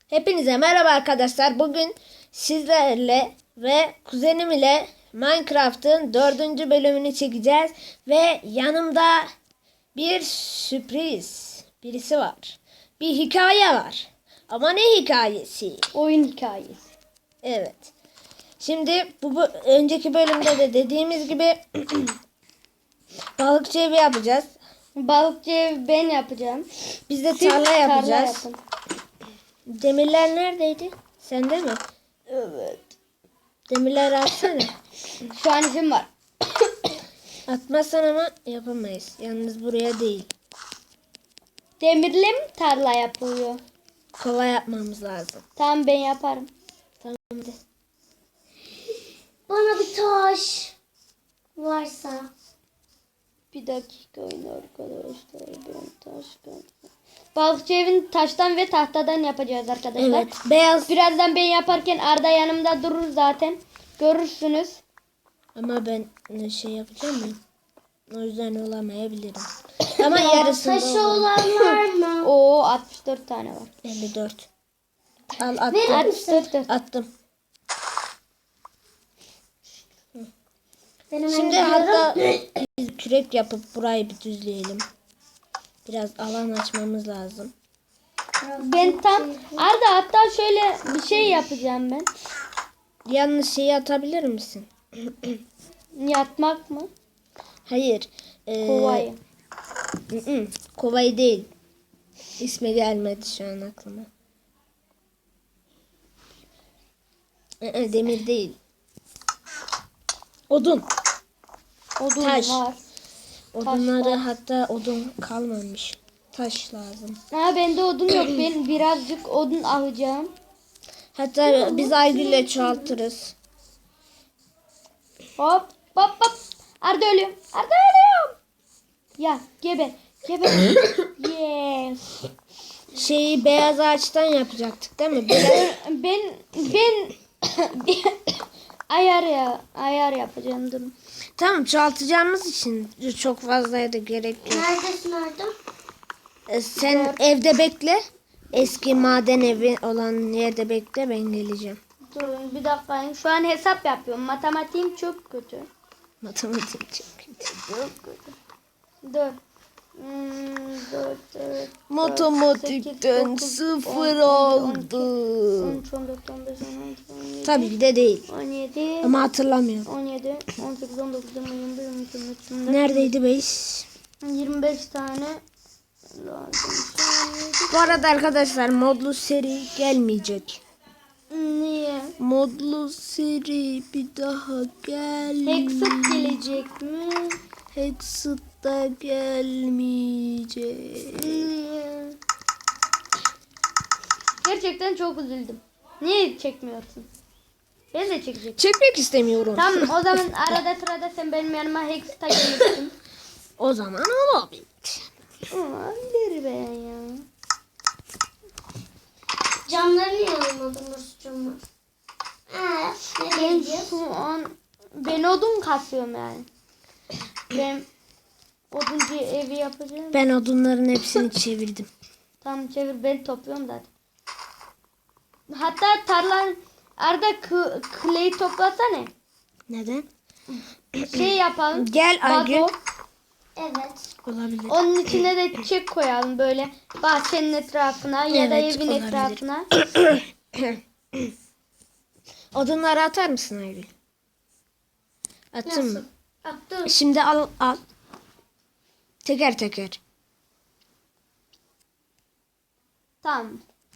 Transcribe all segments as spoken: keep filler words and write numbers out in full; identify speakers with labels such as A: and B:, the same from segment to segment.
A: Hepinize merhaba arkadaşlar. Bugün sizlerle ve kuzenim ile Minecraft'ın dördüncü bölümünü çekeceğiz. Ve yanımda bir sürpriz birisi var. Bir hikaye var. Ama ne hikayesi?
B: Oyun hikayesi.
A: Evet. Şimdi bu, bu önceki bölümde de dediğimiz gibi balıkçı evi yapacağız.
B: Balıkçı evi ben yapacağım.
A: Biz de
B: Siz
A: tarla yapacağız.
B: yapın.
A: Demirler neredeydi? Sende mi?
B: Evet.
A: Demirleri atsana.
B: Şu an izin var.
A: Atmazsan ama yapamayız. Yalnız buraya değil.
B: Demirle mi tarla yapılıyor?
A: Kolay yapmamız lazım.
B: Tamam ben yaparım.
A: Tamam hadi.
C: Bana bir taş varsa.
B: Bir dakika oyun arkadaşlar. Ben taştan. Balıkçı evini taştan ve tahtadan yapacağız arkadaşlar.
A: Evet. Beyaz.
B: Birazdan ben yaparken Arda yanımda durur zaten. Görürsünüz.
A: Ama ben ne şey yapacağım ya. O yüzden olamayabilirim. Ama yarısında
C: Taşı
A: olur.
C: olan var mı?
B: Oo altmış dört tane var.
A: elli dört. Al attım.
C: Verir
B: altmış dört.
C: misin?
A: Attım.
C: Benim
A: Şimdi
C: elimde
A: hatta biz kürek yapıp burayı bir düzleyelim. Biraz alan açmamız lazım.
B: Ben tam Arda hatta şöyle bir şey yapacağım ben.
A: Yalnız şeyi atabilir misin?
B: Yatmak mı?
A: Hayır. Ee,
B: Kovayı.
A: ı -ı, kovayı değil. İsmi gelmedi şu an aklıma. I -ı, demir değil. Odun.
B: Odun
A: Taş.
B: var.
A: Odunları
B: var.
A: hatta odun kalmamış. Taş lazım.
B: Ha bende odun yok. Ben birazcık odun alacağım.
A: Hatta biz Aygül'le çoğaltırız.
B: Hop hop hop. Arda ölüyorum. Arda ölüyorum. Ya geber. Geber. Yes.
A: Şeyi beyaz ağaçtan yapacaktık değil mi? Beyaz...
B: Ben ben ayar ya ayar yapacağım durun.
A: Tamam, çoğaltacağımız için çok fazlaya da gerek yok.
C: Neredesin orada?
A: Ee, Sen evde bekle. Eski maden evi olan yerde bekle, ben geleceğim.
B: Durun bir dakika. Şu an hesap yapıyorum. Matematiğim çok kötü.
A: Matematik çok kötü.
B: Çok kötü. Dur. Hmm, dört, dört,
A: Matematikten
B: sekiz, dokuz,
A: sıfır
B: on,
A: oldu.
B: on üç, on dört, on beş, on altı, on yedi,
A: Tabii ki de değil.
B: on yedi,
A: Ama hatırlamıyorum.
B: on yedi, on sekiz, on dokuz, yirmi, yirmi bir, yirmi iki, yirmi üç, yirmi dört,
A: Neredeydi beş?
B: yirmi beş tane lazım.
A: Bu arada arkadaşlar modlu seri gelmeyecek.
B: Niye?
A: Modlu seri bir daha gel.
B: Hexit gelecek mi?
A: Hexit da gelmeyecek.
B: Niye? Gerçekten çok üzüldüm. Niye çekmiyorsun? Ben de çekecektim.
A: Çekmek istemiyorum.
B: Tamam o zaman arada sırada sen benim yanıma Hexit'a gelirsin.
A: O zaman olabilir.
B: Olabilir ben ya.
C: Camları niye almadınız camı? Ee, nereye
B: Ben
C: gideceğiz?
B: şu an ben odun kasıyorum yani. Ben oduncu evi yapacağım.
A: Ben odunların hepsini çevirdim.
B: Tamam çevir ben topluyorum zaten. Hatta tarlan Arda clay toplasana.
A: Neden?
B: Şey yapalım.
A: Gel Aygül.
B: vazo.
C: Evet.
A: Olabilir.
B: Onun içine de çiçek koyalım böyle bahçenin etrafına ya da
A: Evet,
B: evin
A: olabilir.
B: etrafına.
A: Odunları atar mısın Aygül? Attın mı?
C: Attım.
A: Şimdi al al. Teker teker.
B: Tamam.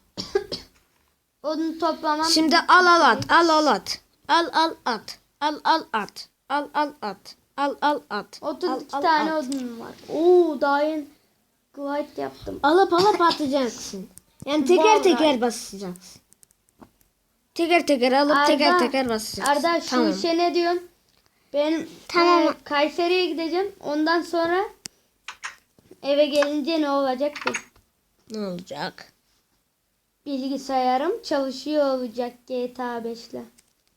B: Odun toplamam.
A: Şimdi al al at. Al al at. Al al at. Al al at. Al al at. Al al at.
B: otuz iki
A: Al, al,
B: tane
A: at.
B: odun var. Oo daha yeni glide yaptım.
A: Alıp alıp atacaksın. Yani teker
B: Vallahi.
A: teker basacaksın. Teker teker alıp
B: Arda,
A: teker teker basacaksın.
B: Arda şu
A: Tamam.
B: işe ne diyorsun? Ben
C: Tamam.
B: e, Kayseri'ye gideceğim. Ondan sonra eve gelince ne olacak ki?
A: Ne olacak?
B: Bilgisayarım çalışıyor olacak G T A beş ile.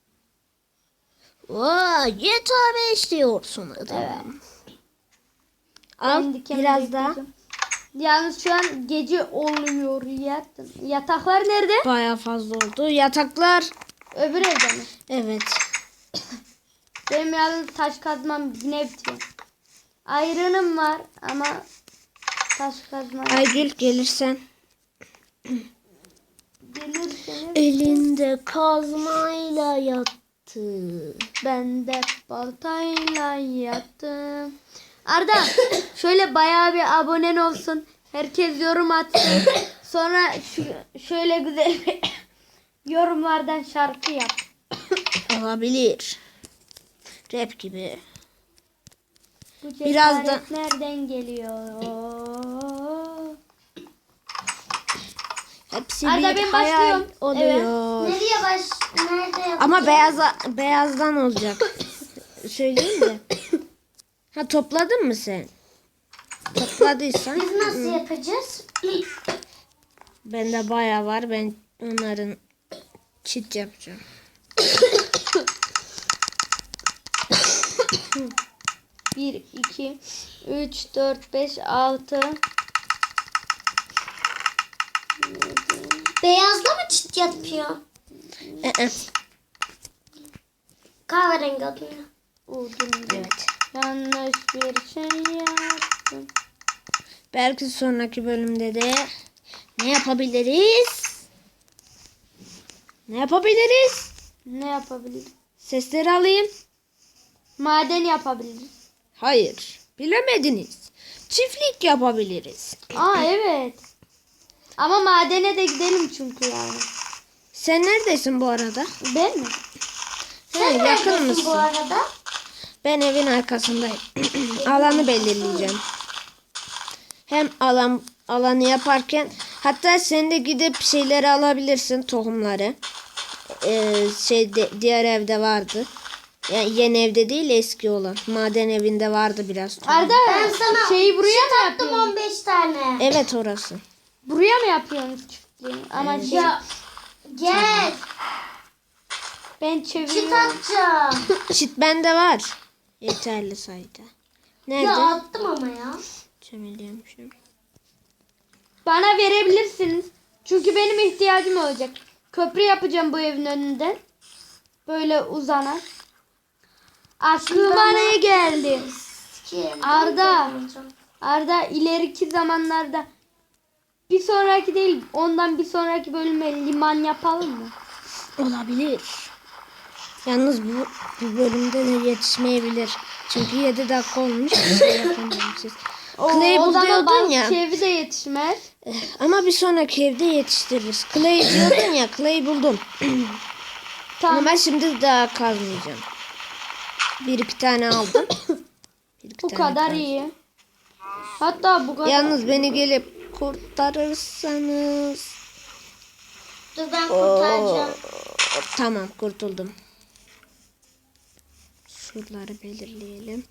A: Vay, G T A beş diyorsun adam.
B: Evet.
A: Al
B: Ben diken
A: biraz daha.
B: bekleyeceğim. Yalnız şu an gece oluyor. Yattım. Yataklar nerede?
A: Bayağı fazla oldu. Yataklar.
B: Öbür evde mi?
A: Evet.
B: Benim yalnız taş kazmam yine bitiyor. Ayrınım var ama taş kazmam
A: Aygül gelirsen.
B: gelirseniz
A: Elinde kazmayla yattı.
B: ben de baltayla yattım. Arda şöyle bayağı bir abonen olsun. Herkes yorum atsın. Sonra şu, şöyle güzel bir yorumlardan şarkı yap.
A: Olabilir. Rap gibi.
B: Bu
A: Biraz da-
B: cesaret nereden geliyor?
A: Hepsi
B: Arda,
A: bir
B: ben
A: hayal
B: başlıyorum.
A: oluyor.
C: Nereye baş... Nerede yapacağız?
A: Ama beyaz beyazdan olacak. Söyleyeyim de. Ha topladın mı sen? Topladıysan.
C: Biz nasıl yapacağız?
A: Bende bayağı var. Ben onların çit yapacağım.
B: bir, iki, üç, dört, beş, altı.
C: Beyazla mı çit yapıyor?
A: Ee,
C: Kahverengi odunla.
B: Odun.
A: evet.
B: Yanlış bir şey yaptım.
A: Belki sonraki bölümde de ne yapabiliriz? Ne yapabiliriz?
B: Ne yapabiliriz?
A: Sesleri alayım.
B: Maden yapabiliriz.
A: Hayır. Bilemediniz. Çiftlik yapabiliriz.
B: Aa evet. Ama madene de gidelim çünkü yani.
A: Sen neredesin bu arada?
B: Ben mi?
A: Sen yakın
C: Neredesin
A: mısın?
C: bu arada?
A: Ben evin arkasındayım. Alanı belirleyeceğim. Hem alan alanı yaparken hatta sen de gidip şeyleri alabilirsin, tohumları. Ee, şey de- diğer evde vardı. Yani yeni evde değil, eski olan. Maden evinde vardı biraz tohum.
B: Arda
C: Ben sana
B: şeyi buraya mı
C: Attım
B: yapıyorsun?
C: on beş tane.
A: Evet orası.
B: Buraya mı yapıyorsunuz çiftliği? Ama şey,
C: Ya gel.
B: ben
C: Çit
B: çeviriyorum.
C: atacağım.
A: Çit bende var. Yeterli sayıda. Nerede?
C: Ya attım ama ya.
A: Çömeliyormuşum.
B: Bana verebilirsiniz. Çünkü benim ihtiyacım olacak. Köprü yapacağım bu evin önünden. Böyle uzanan. Aklıma ne geldi?
C: Ki,
B: Arda. Arda ileriki zamanlarda bir sonraki değil ondan bir sonraki bölüme liman yapalım mı?
A: Olabilir. Yalnız bu, bu bölümde de yetişmeyebilir. Çünkü yedi dakika olmuş. Bir şey yapamamışız.
B: O,
A: Clay'i
B: o
A: bul
B: zaman
A: diyordun
B: balık
A: ya.
B: çevi de yetişmez.
A: Eh, Ama bir sonraki evde yetiştiririz. Clay diyordun ya. Clay buldum.
B: Tamam.
A: Ama ben şimdi daha kazmayacağım. Bir iki tane aldım. Bir iki
B: Bu
A: tane
B: kadar
A: kaz-
B: iyi. Hatta bu kadar.
A: Yalnız beni gelip kurtarırsanız.
C: Dur ben kurtaracağım.
A: Hop, tamam kurtuldum. Şuraları belirleyelim.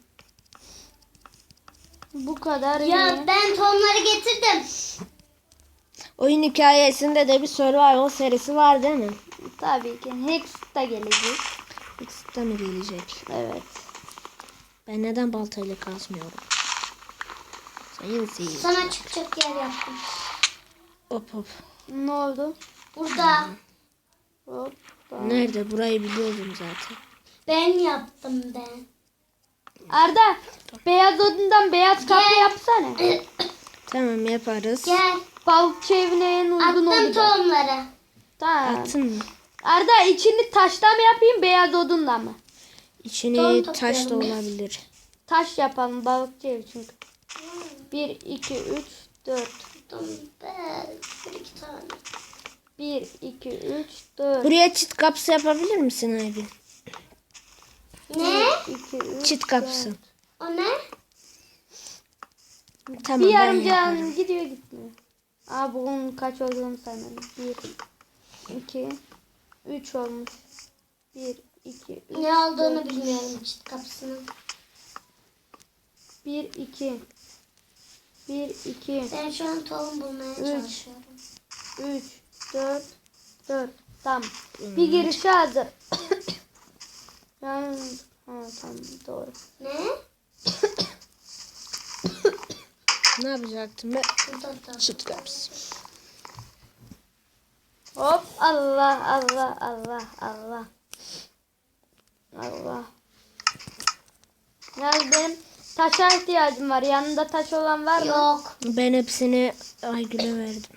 B: Bu kadar iyi.
C: Ya ben tohumları getirdim.
A: Oyun hikayesinde de bir survival serisi var değil mi?
B: Tabii ki. Hex da gelecek.
A: X'te mi gelecek?
B: Evet.
A: Ben neden baltayla kazmıyorum? Sayın seyirci.
C: Sana çıkacak yer yaptım.
A: Hop hop.
B: Ne oldu?
C: Burada.
B: Hop.
A: Nerede? Burayı biliyordum zaten.
C: Ben yaptım ben.
B: Arda beyaz odundan beyaz kapı
C: Gel.
B: yapsana.
A: Tamam yaparız.
C: Gel.
B: Balıkçı evine en uzun
C: Attım
B: olacak.
C: tohumları.
B: Tamam.
A: Attın mı?
B: Arda içini taştan mı yapayım beyaz odunla mı?
A: İçini
C: Tohum
A: taş da
C: toplayalım.
A: olabilir.
B: Taş yapalım balıkçı evi çünkü. bir, iki, üç, dört.
C: Attım ben. Bir iki tane.
B: bir, iki, üç, dört.
A: Buraya çit kapısı yapabilir misin Aygün?
C: Ne?
B: iki, üç,
A: Çit kapısı.
C: O ne?
A: Tamam
B: Bir
A: ben
B: yarım
A: yaparım.
B: can gidiyor gitmiyor. Aa bunun kaç olduğunu saymadım. bir, iki, üç olmuş. bir, iki, üç,
C: Ne olduğunu
B: dört,
C: bilmiyorum çit kapısının.
B: bir, iki. bir, iki,
C: Ben şu an tohum bulmaya çalışıyorum.
B: üç, dört, dört. Tamam. Bir girişe hazır. Yani ha tamam doğru.
C: Ne?
A: Ne yapacaktım ben?
C: Burada da.
A: Çıt kapısı.
B: Hop Allah Allah Allah Allah. Allah. Yalnız benim taşa ihtiyacım var. Yanında taş olan var mı?
C: Yok.
A: Ben hepsini Aygül'e verdim.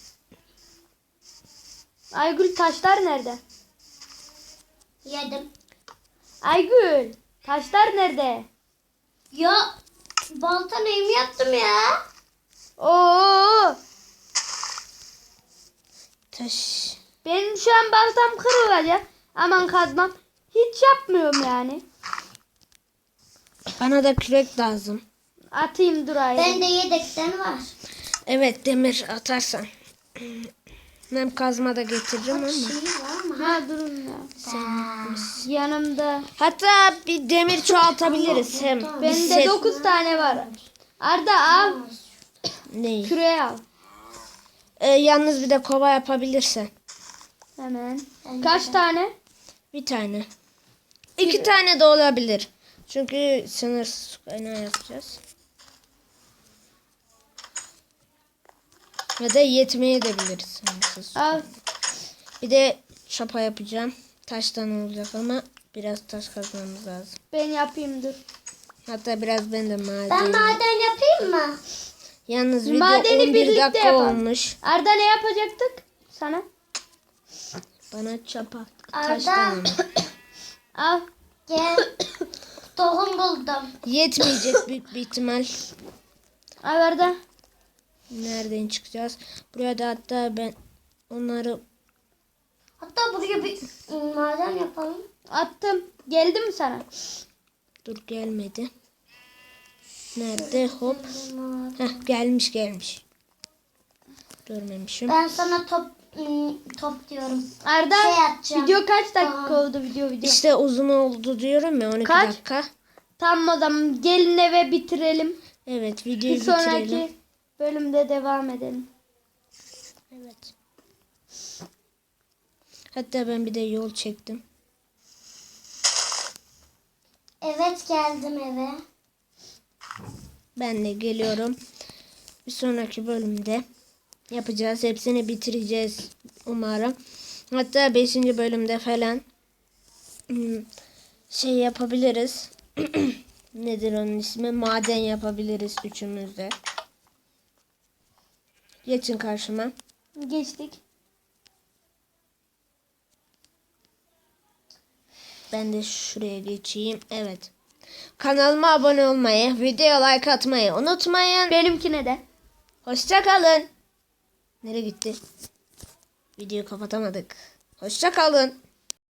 B: Aygül taşlar nerede?
C: Yedim.
B: Aygül taşlar nerede?
C: Ya balta neyimi yaptım ya?
B: Oo!
A: Taş.
B: Benim şu an baltam kırılacak. Aman kazmam. Hiç yapmıyorum yani.
A: Bana da kürek lazım.
B: Atayım durayım.
C: Bende yedekten var.
A: Evet, demir atarsan. Hem kazma da getiririm ama.
C: Şey var mı?
B: Ha durun ya.
A: Sen
B: Yanımda.
A: Hatta bir demir çoğaltabiliriz hem. Bir
B: Bende
A: set-
B: dokuz tane var. Arda al.
A: Neyi?
B: Küreği al.
A: Ee, yalnız bir de kova yapabilirsen.
B: Hemen.
C: Bende
B: Kaç
C: de.
B: tane?
A: Bir tane. İki tane de olabilir. Çünkü sınırsız kaynağı yapacağız. Ya da yetmeye de biliriz sınırsız.
B: Al.
A: Bir de çapa yapacağım. Taştan olacak ama biraz taş kazmamız lazım.
B: Ben yapayım dur.
A: Hatta biraz ben de maden.
C: Ben maden yapayım mı?
A: Yalnız video
B: Madeni
A: on bir
B: birlikte
A: dakika
B: yapalım.
A: olmuş.
B: Arda ne yapacaktık? Sana.
A: Bana çapa.
C: Arda.
A: Taştan ama.
B: Al.
C: Gel. Tohum buldum.
A: Yetmeyecek büyük bir ihtimal.
B: Al Arda.
A: Nereden çıkacağız? Buraya da hatta ben onları
C: Hatta buraya bir maden yapalım.
B: Attım. Geldi mi sana?
A: dur gelmedi. Nerede? Hop. Heh, gelmiş gelmiş. Görmemişim.
C: Ben sana top ım, top diyorum.
B: Arda
C: Şey atacağım.
B: video kaç dakika
C: Tamam.
B: oldu video video?
A: İşte uzun oldu diyorum ya on iki
B: Kaç?
A: dakika.
B: Tamam o zaman gelin eve bitirelim.
A: Evet videoyu
B: Bir sonraki
A: bitirelim.
B: bölümde devam edelim.
A: Evet. Hatta ben bir de yol çektim.
C: Evet geldim eve.
A: Ben de geliyorum. Bir sonraki bölümde yapacağız. Hepsini bitireceğiz umarım. Hatta beşinci bölümde falan hmm, şey yapabiliriz. Nedir onun ismi? Maden yapabiliriz üçümüz de. Geçin karşıma.
B: Geçtik.
A: Ben de şuraya geçeyim. Evet. Kanalıma abone olmayı, videoya like atmayı unutmayın.
B: Benimkine de.
A: Hoşça kalın. Nereye gitti? Videoyu kapatamadık. Hoşça kalın.